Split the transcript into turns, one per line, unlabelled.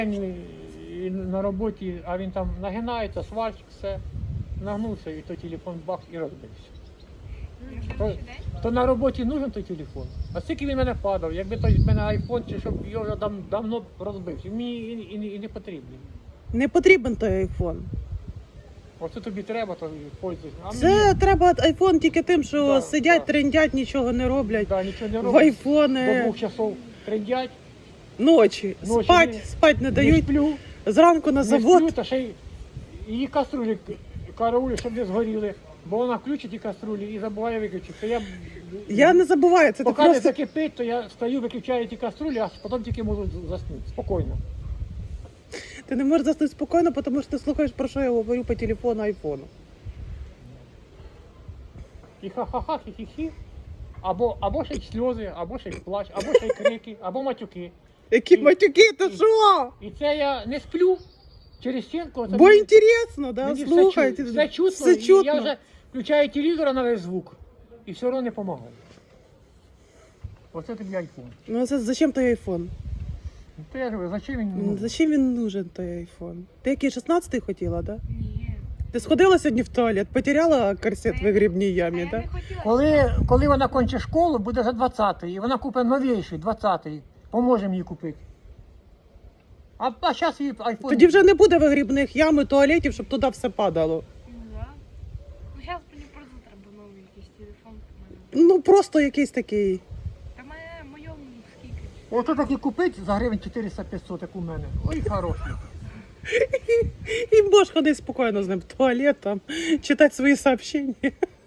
І на роботі, а він там нагинається, сварщик, все, нагнувся, і той телефон бах і розбився. То на роботі нужен той телефон. А скільки він мене падав, якби той в мене айфон, чи щоб його вже давно розбився. Мені і не потрібний.
Не потрібен той айфон.
Оце тобі треба, то пользуйся.
Це треба айфон тільки тим, що
Да,
сидять,
да.
трендять, нічого не роблять.
Да, нічого не
В
роблять. До
айфони
2 часов трендять.
ночі.
Ночі
Спать не
Не
дають.
сплю.
Зранку на
Не
завод.
сплю, та ще й її каструлі караулю, щоб не згоріли. Бо вона включить ті каструлі і забуває виключити.
Я не забуваю, це ти
Поки не
просто...
закипить, то я стою, виключаю ті каструлі, а потім тільки можу заснути. Спокійно.
Ти не можеш заснути спокійно, тому що ти слухаєш, про що я говорю по телефону айфону.
І ха-ха-ха, хі-хі-хі. Або ще й сльози, або ще й плач, або ще й крики, або матюки.
Які матюки, ти що?
І це я не сплю через стінку. Це
Бо інтересно, да?
мені
Слухайте.
все чутно,
Все
і
чутно.
я вже включаю телевізор на весь звук. І все одно не допомагає. Оце тобі айфон.
Ну це зачем той айфон?
То я говорю, зачем він нужен?
Зачем він нужен той айфон? Ти який 16-й хотіла, да?
Ні.
Ти сходила сьогодні в туалет, потеряла корсет в вигрібній ямі,
Я
да?
не хотіла.
Коли вона кончить школу, буде за 20-й, і вона купить новіший, 20-й. Поможемо їй купити. А зараз їй айфон.
Тоді вже не буде вигрібних ям і туалетів, щоб туди все падало.
Ну, да. Ну, зараз мені просто треба новий якийсь телефон. в мене.
Ну просто якийсь такий.
Та моєму скільки?
Ото таки купить за гривень 400-500, як у мене. Ой, хороший.
І можеш ходити спокійно з ним в туалет, там, читати свої сообщення.